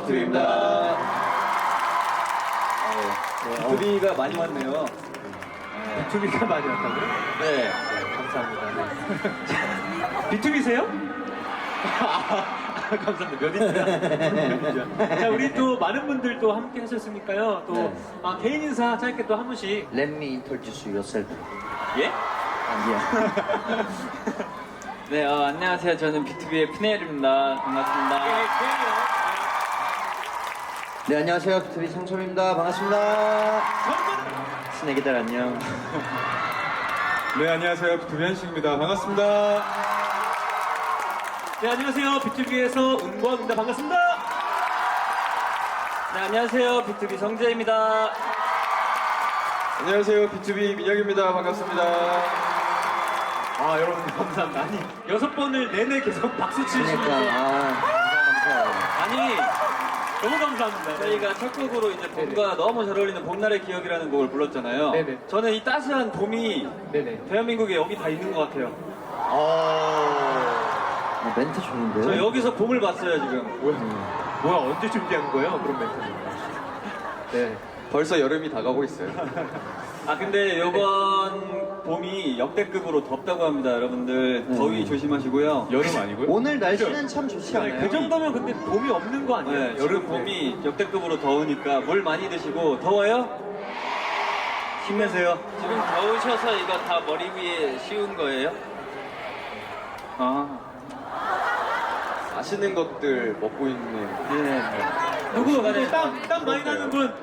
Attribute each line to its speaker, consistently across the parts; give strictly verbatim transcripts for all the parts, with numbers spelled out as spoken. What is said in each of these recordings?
Speaker 1: 비투비입니다.
Speaker 2: 비투비가 많이 왔네요.
Speaker 1: 비투비가 많이 왔다고요?
Speaker 2: 네.
Speaker 1: 감사합니다. 네. 비투비세요? 아, 감사합니다. 몇 인치야? 자, 우리 또 많은 분들 또 함께 하셨으니까요. 또
Speaker 3: 네.
Speaker 1: 아, 개인 인사 짧게 또 한 분씩.
Speaker 3: Let me introduce yourself.
Speaker 2: 예?
Speaker 3: 아,
Speaker 2: 네, 어, 안녕하세요. 저는 비투비의 피네일입니다. 반갑습니다.
Speaker 1: 네, 개인이요.
Speaker 3: 네, 안녕하세요. 비투비 상철입니다. 반갑습니다. 스낵이들 안녕.
Speaker 4: 네, 안녕하세요. 비투비 한식입니다. 반갑습니다.
Speaker 1: 네, 안녕하세요. 비투비에서 은광입니다. 반갑습니다.
Speaker 2: 네, 안녕하세요. 비투비 성재입니다.
Speaker 4: 안녕하세요. 비투비 민혁입니다. 반갑습니다.
Speaker 1: 아, 여러분 감사합니다. 아니, 여섯 번을 내내 계속 박수 치시면서
Speaker 3: 그러니까, 아, 감사해요.
Speaker 2: 아니,
Speaker 1: 너무 감사합니다.
Speaker 2: 저희가 첫 곡으로 이제 봄과 너무 잘 어울리는 봄날의 기억이라는 곡을 불렀잖아요.
Speaker 1: 네네.
Speaker 2: 저는 이 따스한 봄이
Speaker 1: 네네.
Speaker 2: 대한민국에 여기 다 있는 것 같아요.
Speaker 3: 아, 멘트 좋은데요?
Speaker 2: 저 여기서 봄을 봤어요, 지금.
Speaker 1: 뭐야? 뭐야? 언제 준비한 거예요? 그런 멘트는? 네.
Speaker 4: 벌써 여름이 다가오고 있어요.
Speaker 2: 아, 근데 요번 봄이 역대급으로 덥다고 합니다, 여러분들.
Speaker 3: 네.
Speaker 2: 더위 조심하시고요.
Speaker 4: 여름 아니고요?
Speaker 3: 오늘 날씨는 참 좋지 않아요?
Speaker 1: 그 정도면 근데 봄이 없는 거 아니에요?
Speaker 2: 네, 여름 봄이 역대급으로 더우니까 물 많이 드시고. 더워요? 힘내세요. 지금 더우셔서 이거 다 머리 위에 씌운 거예요? 아,
Speaker 4: 맛있는 것들 먹고 있는.
Speaker 2: 네.
Speaker 1: 누구?
Speaker 2: 시간에
Speaker 1: 누구 땀, 땀 많이 나는 분?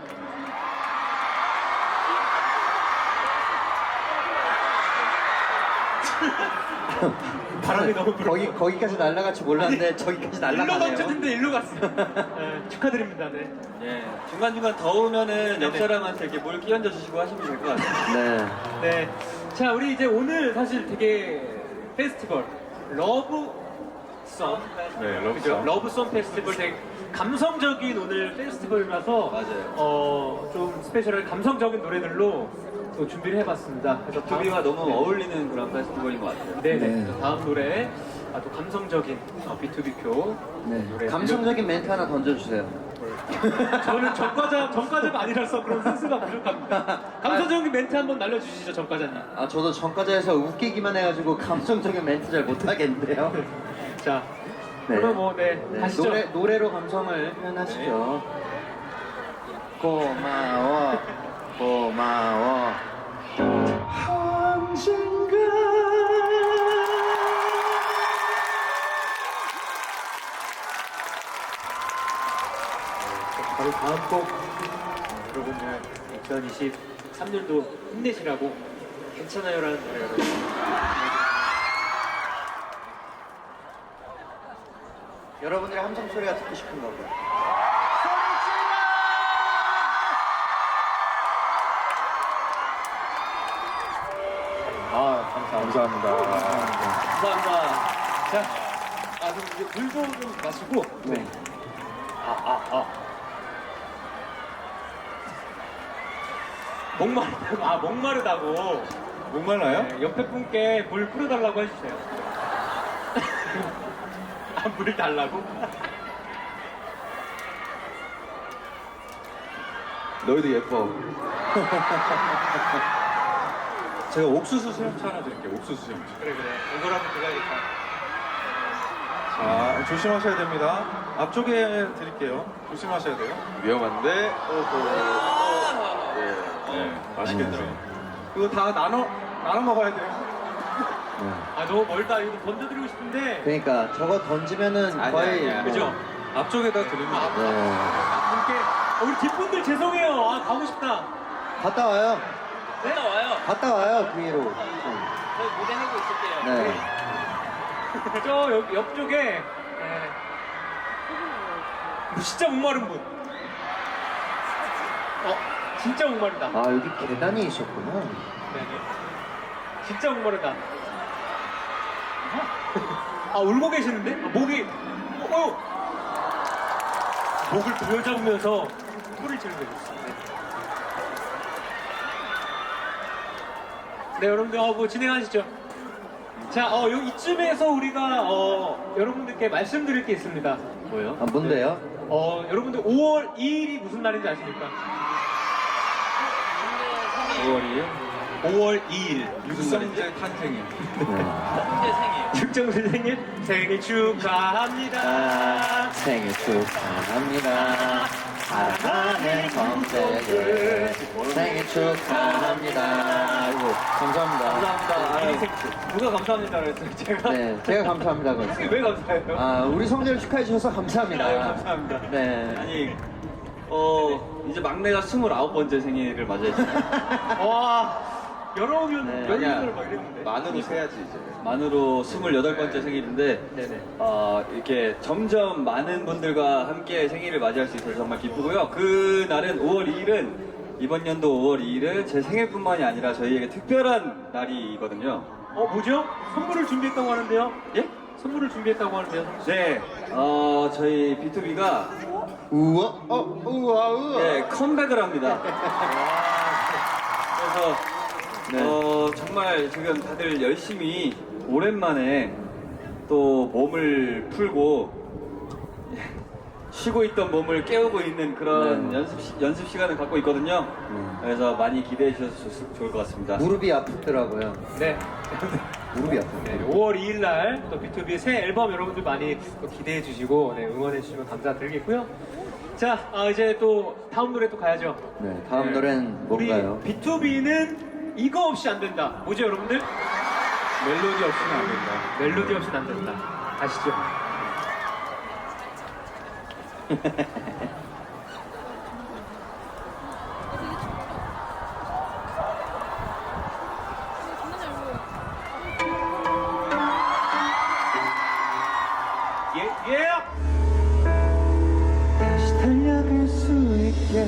Speaker 1: 바람이 너무 불어.
Speaker 3: 거기, 거기까지 날아갈지 몰랐는데 저기까지
Speaker 1: 일로
Speaker 3: 날아가네요.
Speaker 1: 멈췄는데 일로 갔어. 네, 축하드립니다. 네.
Speaker 2: 예. 중간중간 더우면은 옆 사람한테 이렇게 물 끼얹어 주시고 하시면 될 것 같아요.
Speaker 3: 네.
Speaker 1: 네. 자, 우리 이제 오늘 사실 되게 페스티벌 러브송.
Speaker 4: 네, 러브송.
Speaker 1: 그죠? 러브송 페스티벌 되게 감성적인 오늘 페스티벌이라서
Speaker 2: 맞아요.
Speaker 1: 어, 좀 스페셜한 감성적인 노래들로 또 준비를 해봤습니다. 그래서
Speaker 2: 비투비와
Speaker 1: 다음-
Speaker 2: 너무
Speaker 1: 네.
Speaker 2: 어울리는 그런 페스티벌인 것 같아요.
Speaker 1: 네네.
Speaker 3: 네.
Speaker 1: 그래서 다음 노래 아, 또 감성적인 어, 비투비표
Speaker 3: 네.
Speaker 1: 노래.
Speaker 3: 감성적인 멘트 하나 던져주세요.
Speaker 1: 저는 전과자 전과자가 아니라서 그런 센스가 부족합니다. 감성적인 멘트 한번 날려주시죠, 전과자님.
Speaker 3: 아, 저도 전과자에서 웃기기만 해가지고 감성적인 멘트 잘 못하겠는데요.
Speaker 1: 자,
Speaker 3: 네.
Speaker 1: 그럼 뭐, 네,
Speaker 3: 네,
Speaker 1: 가시죠.
Speaker 3: 노래, 노래로 감성을 표현하시죠. 고마워, 고마워. 언젠가.
Speaker 1: 바로 다음 곡 어, 여러분들 이천이십삼 년도 힘내시라고 괜찮아요라는 노래가
Speaker 3: 여러분들의 함성 소리가 듣고 싶은가 봐요.
Speaker 4: 아, 감사합니다.
Speaker 1: 감사합니다. 자, 아, 그럼 이제 물도 좀 마시고.
Speaker 3: 네.
Speaker 1: 아, 아, 아. 목마르다고. 아, 목마르다고.
Speaker 4: 목말라요?
Speaker 1: 네, 옆에 분께 물 뿌려달라고 해주세요. 아, 물을 달라고?
Speaker 4: 너희도 예뻐. 제가 옥수수 수염차 하나 드릴게요. 옥수수 수염차.
Speaker 1: 그래, 그래. 이걸 한번 들어야겠다.
Speaker 4: 자, 조심하셔야 됩니다. 앞쪽에 드릴게요. 조심하셔야 돼요. 위험한데. 네, 네, 맛있겠죠. 이거 다 나눠 나눠 먹어야 돼요.
Speaker 1: 아, 너무 멀다. 이거 던져드리고 싶은데.
Speaker 3: 그러니까 저거 던지면은
Speaker 4: 아니,
Speaker 3: 거의
Speaker 4: 아니, 아니.
Speaker 1: 그죠?
Speaker 4: 앞쪽에다 드립니다.
Speaker 3: 네.
Speaker 1: 분께. 어, 우리 뒷분들 죄송해요. 아, 가고 싶다.
Speaker 3: 갔다 와요.
Speaker 2: 갔다 와요.
Speaker 3: 갔다 와요 그 위로.
Speaker 2: 저희 무대 하고 있을게요.
Speaker 3: 네.
Speaker 1: 저 옆, 옆쪽에. 네. 진짜 목마른 분. 어, 진짜 목마르다.
Speaker 3: 아 여기 계단이 있었구나.
Speaker 1: 네네. 진짜 목마르다. 아, 울고 계시는데? 아, 목이, 어, 어. 목을 부여잡으면서 소리를 지르고 있어요. 네. 네, 여러분들, 어, 뭐 진행하시죠. 자, 어, 요 이쯤에서 우리가 어, 여러분들께 말씀드릴 게 있습니다.
Speaker 2: 뭐요?
Speaker 3: 아, 뭔데요?
Speaker 1: 어, 여러분들 오월 이일이 무슨 날인지 아십니까?
Speaker 2: 오월이요?
Speaker 1: 오월 이일
Speaker 4: 육성재 탄생일.
Speaker 1: 육정수 생일 생일 축하합니다.
Speaker 3: 아, 생일 축하합니다. 사랑하는 성재들 생일 축하합니다. 아이고, 감사합니다.
Speaker 2: 감사합니다. 아유, 누가 감사합니다 그랬어요? 제가?
Speaker 3: 네, 제가 감사합니다. 그랬어요.
Speaker 2: 왜 감사해요?
Speaker 3: 아, 우리 성재를 축하해 주셔서 감사합니다.
Speaker 2: 아유, 감사합니다.
Speaker 3: 네.
Speaker 2: 아니, 어, 이제 막내가 스물아홉 번째 생일을 맞이했어요.
Speaker 1: 와, 여러 명,
Speaker 3: 네,
Speaker 1: 여러
Speaker 2: 아니야.
Speaker 1: 명을 막 이랬는데.
Speaker 4: 만으로 세야지 이제.
Speaker 2: 만으로 스물여덟 번째 생일인데,
Speaker 1: 네네.
Speaker 2: 어, 이렇게 점점 많은 분들과 함께 생일을 맞이할 수 있어서 정말 기쁘고요. 그 날은 오월 이일은, 이번 연도 오월 이일은 제 생일뿐만이 아니라 저희에게 특별한 날이거든요.
Speaker 1: 어, 뭐죠? 선물을 준비했다고 하는데요?
Speaker 2: 예?
Speaker 1: 선물을 준비했다고 하는데요?
Speaker 2: 네, 어, 저희 비투비가
Speaker 3: 우와, 어, 우와, 우와.
Speaker 2: 예, 컴백을 합니다. 그래서
Speaker 3: 네.
Speaker 2: 어, 정말 지금 다들 열심히 오랜만에 또 몸을 풀고 쉬고 있던 몸을 깨우고 있는 그런
Speaker 3: 네.
Speaker 2: 연습, 시, 연습 시간을 갖고 있거든요.
Speaker 3: 음.
Speaker 2: 그래서 많이 기대해 주셔서 좋, 좋을 것 같습니다.
Speaker 3: 무릎이 아프더라고요.
Speaker 1: 네.
Speaker 3: 무릎이 아프요
Speaker 1: 네, 오월 이일 날 또 비투비의 새 앨범 여러분들 많이 또 기대해 주시고 네, 응원해 주시면 감사드리겠고요. 자, 아, 이제 또 다음 노래 또 가야죠.
Speaker 3: 네, 다음
Speaker 1: 네.
Speaker 3: 노래는 뭔가요?
Speaker 1: 우리 비투비는 이거 없이 안 된다. 뭐죠, 여러분들?
Speaker 4: 멜로디 없이는 안 된다.
Speaker 1: 멜로디 없이는 안 된다. 아시죠? 예, 예!
Speaker 3: 다시 달려갈 수 있게.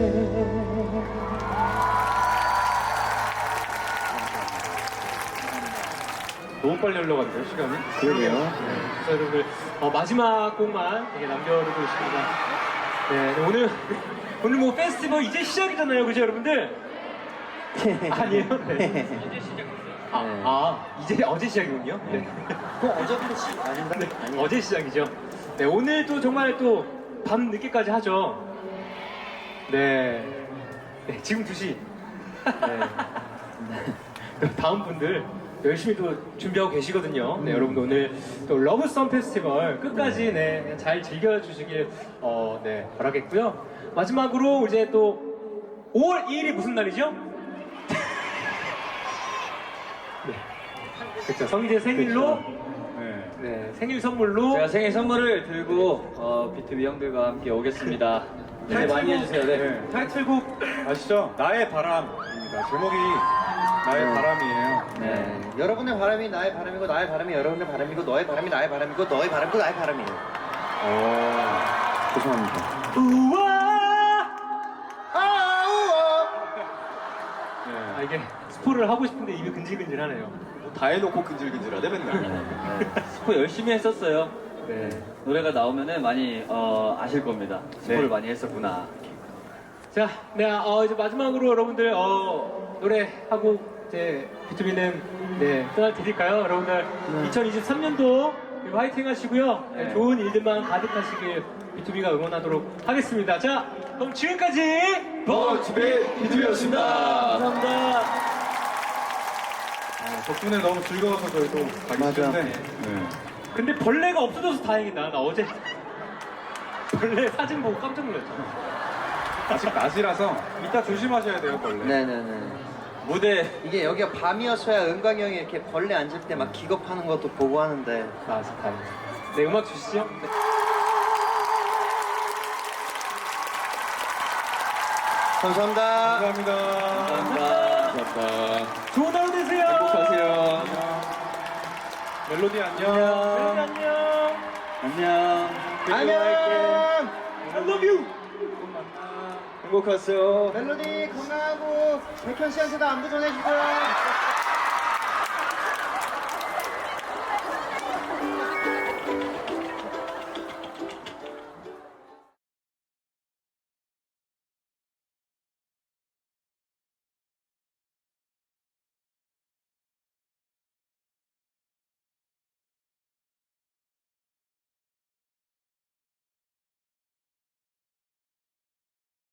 Speaker 1: 너무 빨리 흘러가는데요, 시간이?
Speaker 3: 그러게요.
Speaker 1: 네, 그래서 여러분들 어, 마지막 곡만 되게 남겨두고 있습니다. 네, 네, 오늘 오늘 뭐 페스티벌 이제 시작이잖아요, 그죠, 여러분들? 아니에요? 네. 아,
Speaker 3: 네.
Speaker 1: 아, 이제 어제 시작이군요. 네.
Speaker 3: 그럼 어제부터 시 아닌가?
Speaker 1: 네,
Speaker 3: 아니.
Speaker 1: 어제 시작이죠. 네, 오늘 또 정말 또 밤 늦게까지 하죠. 네, 네 지금 두 시. 네. 네. 다음 분들 열심히 또 준비하고 계시거든요. 네, 여러분들 오늘 또 러브썸 페스티벌 끝까지 네, 잘 즐겨주시길 어, 네, 바라겠고요. 마지막으로 이제 또 오월 이일이 무슨 날이죠? 네, 그렇죠. 성재 생일로
Speaker 4: 네.
Speaker 1: 네, 생일 선물로
Speaker 2: 제가 생일 선물을 들고 어, 비투비 형들과 함께 오겠습니다. 기대 많이 해주세요. 네.
Speaker 4: 네.
Speaker 1: 타이틀곡
Speaker 4: 아시죠? 나의 바람입니다. 제목이 나의
Speaker 3: 네.
Speaker 4: 바람이에요.
Speaker 3: 네. 여러분의 바람이 나의 바람이고 나의 바람이 여러분의 바람이고 너의 바람이 나의 바람이고 너의 바람이고 나의 바람이에요.
Speaker 4: 오.
Speaker 3: 죄송합니다.
Speaker 1: 우와
Speaker 3: 아, 우와.
Speaker 1: 아
Speaker 4: 네.
Speaker 1: 이게 스포를 하고 싶은데 입이 근질근질하네요.
Speaker 4: 다 해놓고 근질근질하대 맨날.
Speaker 2: 네. 스포 열심히 했었어요.
Speaker 1: 네.
Speaker 2: 노래가 나오면은 많이 어, 아실 겁니다. 스포를
Speaker 4: 네.
Speaker 2: 많이 했었구나.
Speaker 1: 자, 네, 어, 이제 마지막으로 여러분들 어, 노래하고 이제 비투비는 네 떠날 테니까요. 여러분들 이천이십삼 년도 화이팅 하시고요. 네,
Speaker 2: 네.
Speaker 1: 좋은 일들만 가득하시길 비투비가 응원하도록 하겠습니다. 자, 그럼 지금까지
Speaker 4: 버즈베 비투비였습니다.
Speaker 1: 감사합니다.
Speaker 4: 아, 덕분에 너무 즐거워서 저희도 가기
Speaker 3: 맞아.
Speaker 4: 싫은데. 네.
Speaker 1: 근데 벌레가 없어져서 다행이다. 나 어제 벌레 사진 보고 깜짝 놀랐잖아.
Speaker 4: 아직 낮이라서 이따 조심하셔야 돼요, 벌레.
Speaker 3: 네네네.
Speaker 2: 무대
Speaker 3: 이게 여기가 밤이었어야 은광이 형이 이렇게 벌레 앉을 때 막 기겁하는 것도 보고 하는데.
Speaker 1: 아, 다행이다. 네, 음악 주시죠. 네.
Speaker 3: 감사합니다.
Speaker 4: 감사합니다.
Speaker 2: 감사합니다.
Speaker 4: 감사합니다.
Speaker 1: 좋은 하루 되세요.
Speaker 2: 행복하세요.
Speaker 4: 멜로디 안녕.
Speaker 1: 네, 안녕.
Speaker 2: 안녕.
Speaker 3: 안녕.
Speaker 1: I love you.
Speaker 2: 행복하세요.
Speaker 3: 멜로디 건강하고 백현 씨한테도 안부 전해주세요.